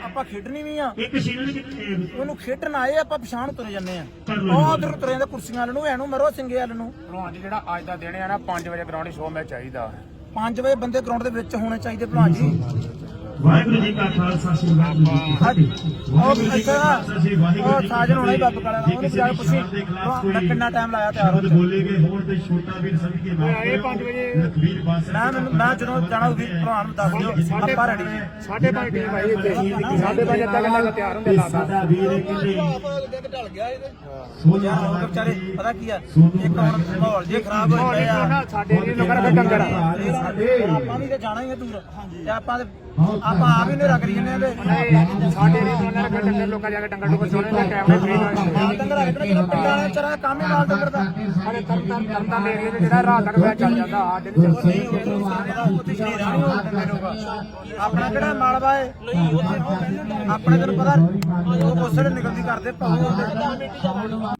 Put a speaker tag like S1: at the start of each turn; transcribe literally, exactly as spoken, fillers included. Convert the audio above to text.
S1: ਆਪਾਂ ਖੇਡਣੀ ਵੀ ਆ
S2: ਇੱਕ ਸ਼ੀਲਡ ਕਿੱਥੇ
S1: ਉਹਨੂੰ ਖੇਡਣ ਆਏ ਆਪਾਂ ਪਛਾਣ ਤੁਰੇ ਜੰਨੇ ਆ ਉਹ ਉਧਰ ਤੁਰੇ ਜਾਂਦੇ ਕੁਰਸੀਆਂ ਵਾਲ ਨੂੰ ਐਨੂੰ ਮਰੋ ਸਿੰਘੇ ਵਾਲ ਨੂੰ।
S3: ਭਲਵਾਨ ਜੀ ਜਿਹੜਾ ਅੱਜ ਦਾ ਦਿਨ ਆ ਨਾ ਪੰਜ ਵਜੇ ਗਰਾਊਂਡ ਸ਼ੋਅ ਮੈਚ ਚਾਹੀਦਾ।
S1: ਪੰਜ ਵਜੇ ਬੰਦੇ ਗਰਾਊਂਡ ਦੇ ਵਿੱਚ ਹੋਣੇ ਚਾਹੀਦੇ ਭਲਵਾਨ ਜੀ।
S2: ਵਾਹਿਗੁਰੂ ਜੀ ਕਾ ਖਾਲਸਾ ਸ੍ਰੀ ਵਾਹਿਗੁਰੂ ਜੀ ਕੀ ਫਤਿਹ।
S1: ਉਹ ਅੱਛਾ ਉਹ ਸਾਜਨ ਹੋਣਾ ਹੀ ਬੱਬ ਕਾਲਾ ਉਹਨੂੰ ਜਾ ਕੇ ਪੁੱਛੀ ਕਿੰਨਾ ਟਾਈਮ ਲਾਇਆ ਤਿਆਰ ਹੋ
S2: ਬੋਲੇ ਗਏ ਹੋਣ ਤੇ ਛੋਟਾ ਵੀਰ ਸਭ ਕੇ ਮਾਫ
S3: ਇਹ ਪੰਜ ਵਜੇ
S2: ਲਖਵੀਰ ਬਾਸ
S1: ਮੈਂ ਮੈਨੂੰ ਮੈਂ ਜਦੋਂ ਜਾਣਾ ਵੀ ਭਲਵਾਨ ਨੂੰ ਦੱਸ ਦਿਓ ਆਪਾਂ ਰੈਡੀ
S3: ਸਾਢੇ ਪੰਜ ਟੀਮ ਆਈ ਇੱਥੇ ਸਾਢੇ ਪੰਜ ਅੱਧਾ ਘੰਟਾ ਤਿਆਰ ਹੁੰਦੇ ਲਾਤਾ।
S2: ਸਾਡਾ ਵੀਰ ਕਿਤੇ
S1: ਢਲ ਗਿਆ ਇਹਦੇ ਸੋਚਿਆ ਵਿਚਾਰੇ ਪਤਾ ਕੀ ਆ ਇੱਕ ਹੁਣ ਮਾਹੌਲ ਜੇ ਖਰਾਬ ਹੋ ਗਿਆ ਆ
S3: ਸਾਡੇ ਏਰੀਏ ਲੋਕਾਂ ਦਾ ਡੰਗਰ ਆ
S1: ਆਪਾਂ ਵੀ ਤੇ ਜਾਣਾ ਹੀ ਆ ਦੂਰ ਤੇ ਆਪਾਂ ਤੇ ਆਪਾਂ ਆਪ ਹੀ ਨੇਰਾ ਕਰੀ ਜਾਂਦੇ ਆ ਤੇ
S3: ਸਾਡੇ ਏਰੀਏ ਤੋਂ ਉਹਨਾਂ ਦੇ ਡੰਗਰ ਲੋਕਾਂ ਜਾ ਕੇ ਡੰਗਰ ਡੁੱਗਰ ਸੋਣੇ ਤੇ ਕੈਮਰੇ ਫ੍ਰੀ
S1: ਮਾਲ ਡੰਗਰ ਆ ਕਿਹੜਾ ਪਿੰਡਾਂ ਵਾਲੇ ਚਰਾ ਕੰਮ ਹੀ ਮਾਲ ਡੰਗਰ ਦਾ
S3: ਸਾਡੇ ਤਰਨ ਤਰਨ ਤਰਨ ਦਾ ਏਰੀਏ ਤੇ ਜਿਹੜਾ ਰਾਤ ਤੱਕ ਮੈਚ ਚੱਲ ਜਾਂਦਾ ਸਾਡੇ ਨਹੀਂ ਚੱਲਦਾ।
S1: ਨਹੀਂ ਉੱਥੇ ਸ਼ੇਰਾ ਨਹੀਂ ਹੋਣ ਦਿੰਦੇ ਆਪਣਾ ਕਿਹੜਾ ਮਾਲਵਾ ਏ ਆਪਣੇ ਤੈਨੂੰ ਪਤਾ ਉਹ ਕੋਸੜੇ ਨਿਕਲਦੀ ਕਰਦੇ ਭਾਵੇਂ